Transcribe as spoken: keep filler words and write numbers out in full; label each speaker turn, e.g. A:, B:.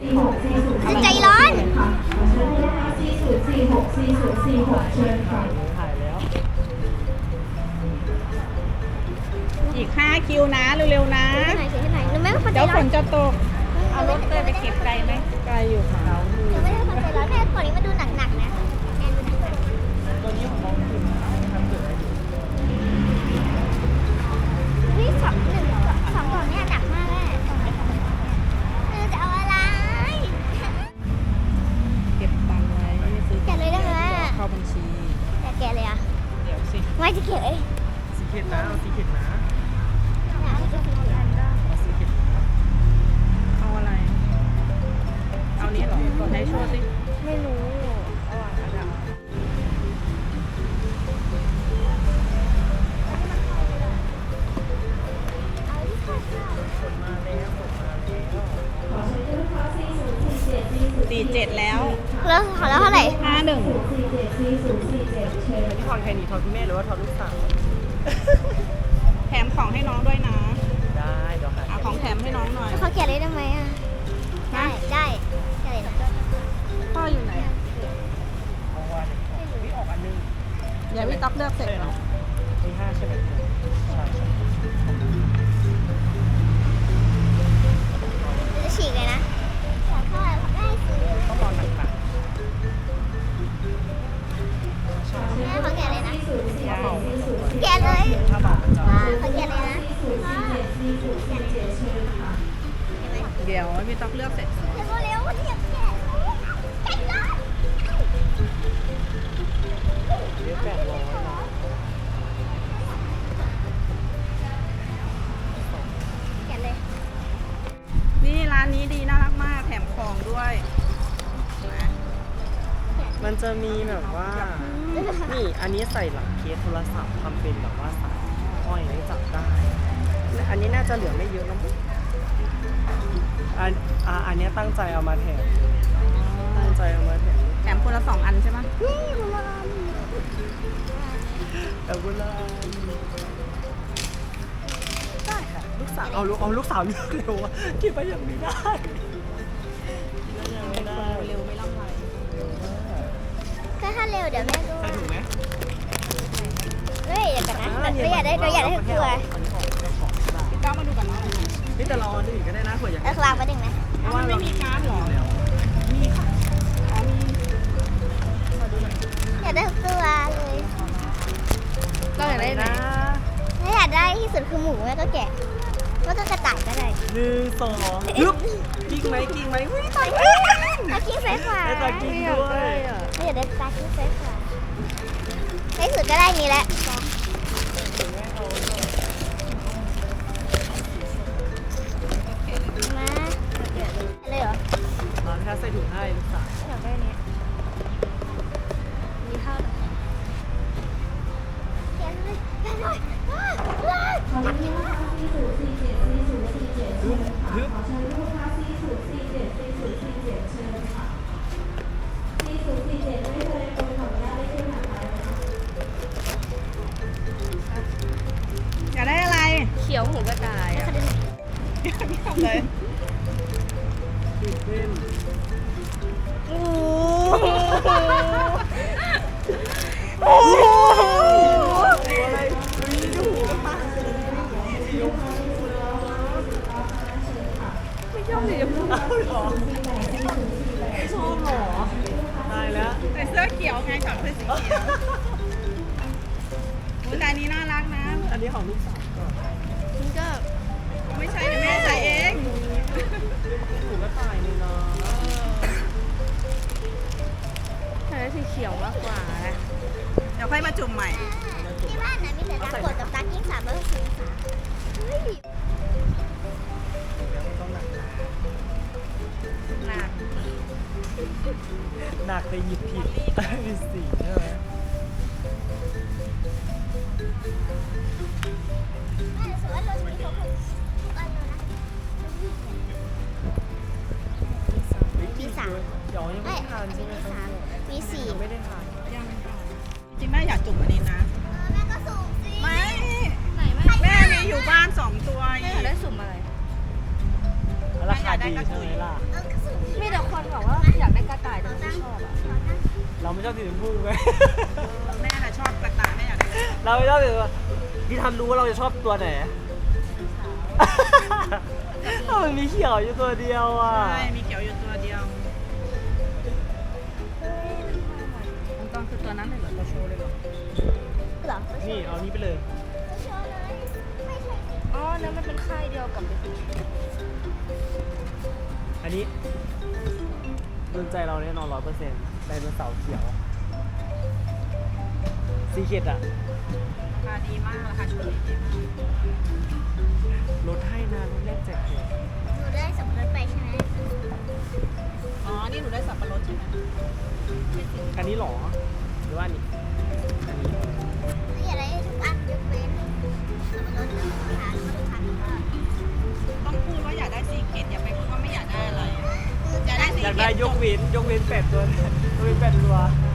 A: ใจร้อน
B: ถ่ายแล้วอีกห้าคิวนะเร็วๆนะ
A: ไหนไหนหนูไม่เป็นคนใจ
B: เดี๋ยว
A: ร้
B: ฝ
A: อน
B: นจะตก
A: เอารถเตยไปเก็บไกลไหม
B: ไกลอยู่ค่ะ
A: หนูไม่ได้คนใจร้อนแม่ก่อนนี้มาดูหนักๆนะแอนดูหนัก
B: ตัวนี้ของน้องคือทำเกิดอะไรอยู่
A: ๆนี่สองหนึ่งสองกล่องเนี่ยหนักมากแม่เออจะเอาอะไร
B: เก็บตังค์ไว้ไม่ซื้อ
A: แกะเลยได้ไหม
B: เข้าบัญชี
A: แต่แกะเลยอ่ะ
B: เดี๋ยวสิ
A: ไม่จะแกะเอ้ย
B: สีเข็ดนะเอาสีเข็ดนะ
A: เนี่ยเอาจะกินกี่อันก็
B: เอาสีเข็ดนะเอาอะไร เอานี้เหรอไหนโชว์สิไม่รู้เอาอ่ะเอาอ่ะ
A: เอาที่ข้าวข้าว
B: กดมาแล้วกดมาแล้วสี่เจ็ดแล้ว
A: แล้วขอแล้วเท่าไหร่
B: ห้าหนึ่งอันนี้ทอนใครหนีทอนคุณแม่หรือว่าทอนลูกสาวแถมของให้น้องด้วยนะได้เดี๋ยวหาเอาของแถมให้น้องหน่อย
A: เขาแกะเลยได้ไหมอ่ะได้ได้แกะเลยนะ
B: พ่ออยู่ไหนเอาวันพี่ออกอันนึงเดี๋ยวพี่ต๊อบเลือกเสร็จแล้วมีห้าใช่ไหมใช่ใช่
A: จะฉีกเลยนะขอโทษได้ซื้อ
B: ต้องรอหนัก
A: แม่เขาแกะเลยนะ
B: ๆถ้าเบา
A: แกะเลย
B: ถ้าเบามันจะ
A: อ่าเขาแกะเลยนะอ่า
B: เดี๋ยวพี่ต๊อบเลือกเสร็จ
A: เร็วเร็ววันนี้อยากแกะแกะเลย
B: เดี๋ยวแปดร้อยนะ
A: แกะเลย
B: นี่ร้านนี้ดีน่ารักมากแถมของด้วยนะ
C: มันจะมีแบบว่า นี่อันนี้ใส่หลังเคสโทรศัพท์ทำเป็นแบบว่าสายห้อยไว้จับได้ อันนี้น่าจะเหลือไม่เยอะนะมั้งอันอ่าอันนี้ตั้งใจเอามาแถมตั้งใจเอามาแถม
B: แถมคนละสองอันใช่ไหม
C: แต่เวลาได้ค่ะลูกสาวเอาลูกเอาลูกสาวเลือกเร็วอะคิดไปอย่างนี้ได้ยังไม่ได้
B: เร็วไม่ล่ำไร
A: ก็ถ้าเร็วเดี๋ยวแม่ก็
C: ใส่ถุงไหม
A: เฮ้ยเดี๋ยวกันนะเราอยากได้เราอยากได้ทุกตัว
C: อันนี้ออกเจ้าของได้
B: ก้าวมาดูกันเนาะ
C: นี่แต่เราเอาอื่นก็ได้นะเผื่ออยาก
A: เอาคลางมาดึงไหม
B: เพราะมันไม่มีการ์ดหรอ มีค่ะอ๋อมี
A: อยากได้ทุกตัวเลย
B: ก็อยากได้ไหน
C: นะ
A: ถ้าอยากได้ที่สุดคือหมูแม่ก็แกะแล้วก็กระต่ายก็ได้
C: หนึ่งสองฮึบกิ้งไหมกิ้งไหมวิ่งตาย
A: ตากิ้งเฟซกว่า
C: ได้ตากิ้งด้วย
A: ไม่อยากได้ตากิ้งเฟซกว่าในที่สุดก็ได้นี้แหละมาเลยเหรอ
C: เราแค่ใส่ถุงให้ลูกสาว
A: อยากได้เนี้ยมีข้าวแกะเลยแกะเลย
C: ฮึบฮึบ
B: อยากได้อะไร
A: เขียวหมูกระต่ายอ่ะ
B: เลย
C: ตื่นเต้น
B: โอ้
C: โอ้โหอะไรวิ่งดูไม่ชอบสีชมพูหรอไม่ชอบหรอตายแล้ว
B: ใส่เสื้อเขียวไงช็อตเสื้อสีเขียวอุ๊ยแต่อันนี้น่ารักนะ
C: อันนี้ของลูกสาวก่อน
A: มันก็
B: ไม่ใช่เดี๋ยวแม่ใส่เอง
C: ถูกก็ตายเลยเนาะ
A: ใช้สีเขียวมากกว่า
B: เดี๋ยวค่อยมาจุ่มใหม่
A: ที่บ้านนะมีแต่ตากดกับตากิ้งสามร้อยหกสิบองศาเฮ้ย
C: แล้วมันต้องหนัก
B: หนัก
C: หนักไปหยิบผิดมีสีใช่ไหม
A: ไม่สวยเราสีของทุกอันเลยนะมีสาม
C: เดี๋ยวยังไม่
A: ไม่
C: ได้ทานใช่ไหม
A: มี
C: ค
A: สา
C: รั
A: ม
C: บ
A: มีสี่
C: ยังไม่ได้ทาน
B: ยังค่ะจริงแม่อยากจุ่มอันนี้นะ
A: แม่ก็สูงสิ
B: ไม่
A: ไหนแม่
B: แม่มีอยู่บ้านสองตัว
A: แม่อยากได้สุ่มอะไร
C: ราคาดีใช่ไหมล่ะ
A: เออก็สูงสิ
B: คนบอกว่าอยากได้กระต่ายแต่ไม่ชอบอ่ะ
C: เราไม่ชอบสีชมพูไง
B: แม่น่ะชอบกระต่ายแม่อยากได้
C: เราไม่ชอบสีพี่ทำรู้ว่าเราจะชอบตัวไหนมันมีเขียวอยู่ตัวเดียวอ่ะ
B: ใช่มีเขียวอยู่ตัวเดียวมันต้องคือตัวนั้นเลยเหรอตัวโชว์เลยเหรอ
A: เหรอ
C: นี่เอานี้ไปเลย
A: โชว์เลยไม่ใช่
B: อ๋อนั่นมันเป็นค่ายเดียวกับ
C: อันนี้โดนใจเราแน่นอนร้อยเปอร์เซ็นต์ไดโนเสาร์เขียวซีเคดอะ
B: ราคาดีมากราคาชุดนี้ดีมาก
C: ลดให้นะลดแรกแจกแถม
A: หนูได้สับปะรดไปใช่ไหม
B: อ๋อนี่หนูได้สับปะรดใช่ไหม
C: อันนี้หรอหรือว่าอันนี้อันนี้
A: หนูอยากได้ทุกอันยกเว้นสับปะรดกับมะพร้าวแล้วก็ทุกอันก็
B: ต้องพูดว่าอยากได้สีเกตอย่าไปพูดว่าไม่อยากได้อะไรอยากได้สี
C: อยาก
B: เก
C: ได้
B: ต
C: ยกเว้นยกเว้นแปดตัวยกเว้นแปดตัว
B: ใ